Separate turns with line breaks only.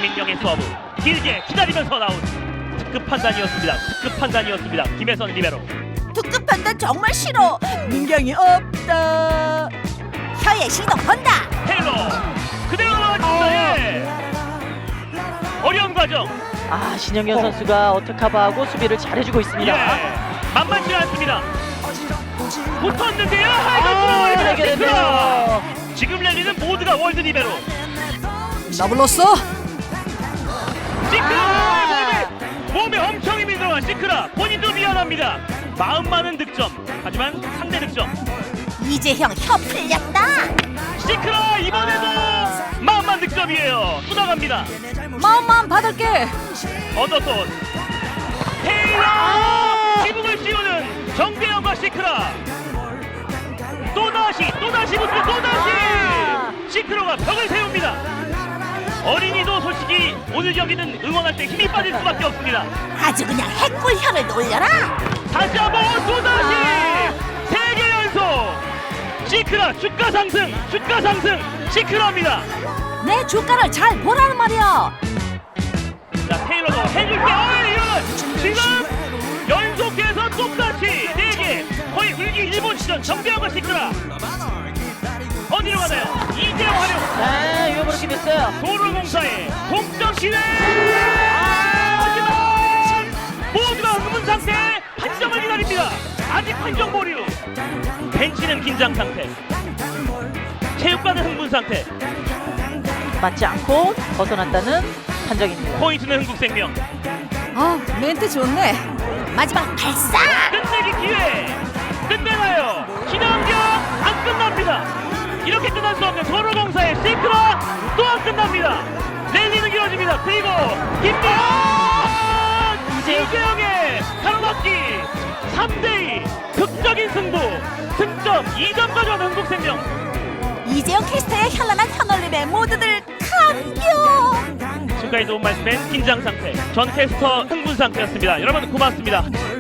박민경의 서브 길게 기다리면서 나온 특급 판단이었습니다. 김혜선 리베로.
특급 판단 정말 싫어. 민경이 없다. 혀의 시동 건다.
테일러 그대로 나왔습니다. 예. 어려운 과정.
신영현 선수가 어택커버하고 수비를 잘해주고 있습니다.
예. 만만치 않습니다. 붙었는데요.
해결했네요.
지금 랠리는 모두가 월드 리베로.
나 불렀어?
시크라 몸에 엄청 힘이 들어간 시크라 본인도 미안합니다. 마음 많은 득점 하지만 상대 득점.
이재형 혀 풀렸다.
시크라 이번에도 마음만 득점이에요. 또 나갑니다.
마음만 받을게.
언더손 테일러 지붕을 씌우는 정대영과 시크라. 또다시 붙고 또다시 시크로가 벽을 세웁니다. 어린이도 솔직히 오늘 경기는 응원할 때 힘이 빠질 수밖에 없습니다.
아주 그냥 핵불혀를 놀려라.
다시 한번 또다시 3개 연속 시크라 주가 상승 시크라입니다.
내 주가를 잘 보라는 말이야.
자 테일러도 해줄게. 이런 지금 연속해서 똑같이 4개 거의 울기 일본 시전 정대영과 시크라. 어디로 가나요? 이재영 활용.
네, 위험으로 됐어요.
도로공사의 동점 기회. 하지만 모두가 흥분 상태. 판정을 기다립니다. 아직 판정 보류. 벤치는 긴장 상태. 체육관은 흥분 상태.
맞지 않고 벗어났다는 판정입니다.
포인트는 흥국생명.
멘트 좋네. 마지막 발사.
끝내기 기회. 끝내나요? 신환경 안 끝납니다. 이렇게 끝날 수 없는 도로공사의 시크라 또 안 끝납니다. 랠리는 길어집니다. 그리고 김대현 이재영의 가로막기 3대2 극적인 승부. 승점 2점 가져온 흥국생명.
이재형 캐스터의 현란한 현올림에 모두들 감격.
지금까지 도움 말씀엔 긴장 상태, 전 캐스터 흥분 상태였습니다. 여러분 고맙습니다.